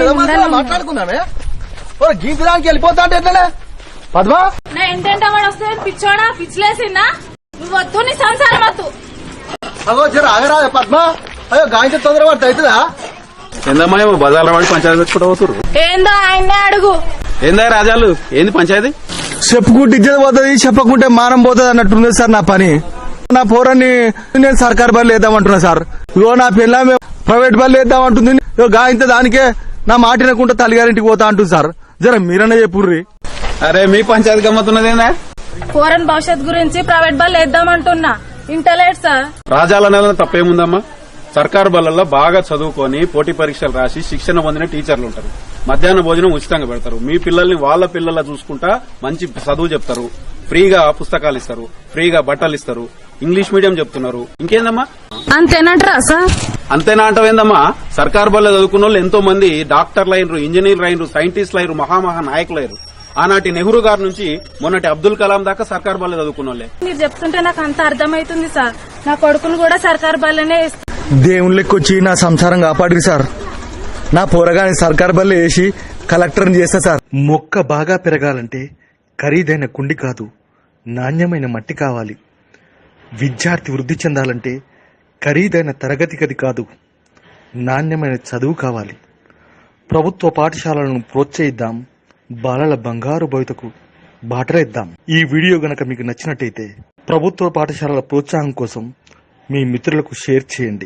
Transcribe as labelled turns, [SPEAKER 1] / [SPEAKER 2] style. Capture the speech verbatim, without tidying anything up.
[SPEAKER 1] మాట్లాడుకుందామే గీతడానికి వెళ్ళిపోతా అంటే ఎట్లనే పద్మా
[SPEAKER 2] నా ఏంటంటే వాడు వస్తే పిచ్చోడా పిచ్చిలేసిందా నువ్వు వద్దు నీ సంసారం వద్దు.
[SPEAKER 1] అగో జర ఆగరా పద్మా అయ్యో గాయంతో తొందర పడితే అవుతుందా
[SPEAKER 3] ఏందమ్మా ఏమో బజార్లో వాడి పంచాయతీ తెచ్చుకుంటూ పోతురు.
[SPEAKER 2] ఏందో ఆయన్నే అడుగు.
[SPEAKER 3] ఏందా రాజాలు ఏంది పంచాయతీ?
[SPEAKER 1] చెప్పుకుంటే ఇజ్జత పోతుంది చెప్పకుంటే మానం పోతుంది అన్నట్టుంది సార్ నా పని. నా పోరాన్ని నేను సర్కారు బళ్ళు వేద్దామంటున్నా సార్. ఇగో నా పిల్ల ప్రైవేట్ బళ్ళు వేద్దామంటుంది. ఇగో గాయంతో దానికే నా మాట వినకుండా తల్లిగారింటికి పోతా అంటుంది సార్. జర మీరన్నా చెప్పుర్రి.
[SPEAKER 3] అరే మీ పంచాయతీ గమ్మతున్నదేనా?
[SPEAKER 2] పోరన్ భవిష్యత్ గురించి ప్రైవేట్ బళ్ళు వేద్దామంటున్నా ఇంటలేట్ సార్.
[SPEAKER 3] రాజాల నెల తప్పేముందమ్మా? సర్కారు బళ్ళల్లో బాగా చదువుకొని పోటీ పరీక్షలు రాసి శిక్షణ పొందిన టీచర్లు ఉంటారు. మధ్యాహ్న భోజనం ఉచితంగా పెడతారు. మీ పిల్లల్ని వాళ్ళ పిల్లల చూసుకుంటా మంచి చదువు చెప్తారు. ఫ్రీగా పుస్తకాలు ఇస్తారు, ఫ్రీగా బట్టలు ఇస్తారు. ఇంగ్లీష్ మీడియం చెప్తున్నారు. ఇంకేందమ్మా?
[SPEAKER 2] అంతేనంటారా సార్?
[SPEAKER 3] అంతేనా అంటవేందమ్మా? సర్కారు బళ్ళ చదువుకున్న వాళ్ళు ఎంతో మంది డాక్టర్లు అయినరు, ఇంజనీర్లు అయినరు, సైంటిస్టులు అయినరు, మహామహా నాయకులు అయ్యారు. ఆనాటి నెహ్రూ గారి నుంచి మొన్నటి అబ్దుల్ కలాం దాకా సర్కారు బళ్ళ చదువుకున్న వాళ్ళే.
[SPEAKER 2] మీరు చెప్తుంటే నాకు అంత అర్థమైతుంది సార్. నా కొడుకును కూడా సర్కారు బళ్ళనే
[SPEAKER 1] దేవుని లెక్కొచ్చి నా సంసారం కాపాడి సార్. నా పోరగాని సర్కారు బళ్ళు వేసి కలెక్టర్ని చేస్తా సార్.
[SPEAKER 4] మొక్క బాగా పెరగాలంటే ఖరీదైన కుండి కాదు, నాణ్యమైన మట్టి కావాలి. విద్యార్థి వృద్ధి చెందాలంటే ఖరీదైన తరగతి గది కాదు, నాణ్యమైన చదువు కావాలి. ప్రభుత్వ పాఠశాలలను ప్రోత్సహిద్దాం, బాలల బంగారు భవితకు బాటలేద్దాం. ఈ వీడియో గనక మీకు నచ్చినట్టయితే ప్రభుత్వ పాఠశాలల ప్రోత్సాహం కోసం మీ మిత్రులకు షేర్ చేయండి.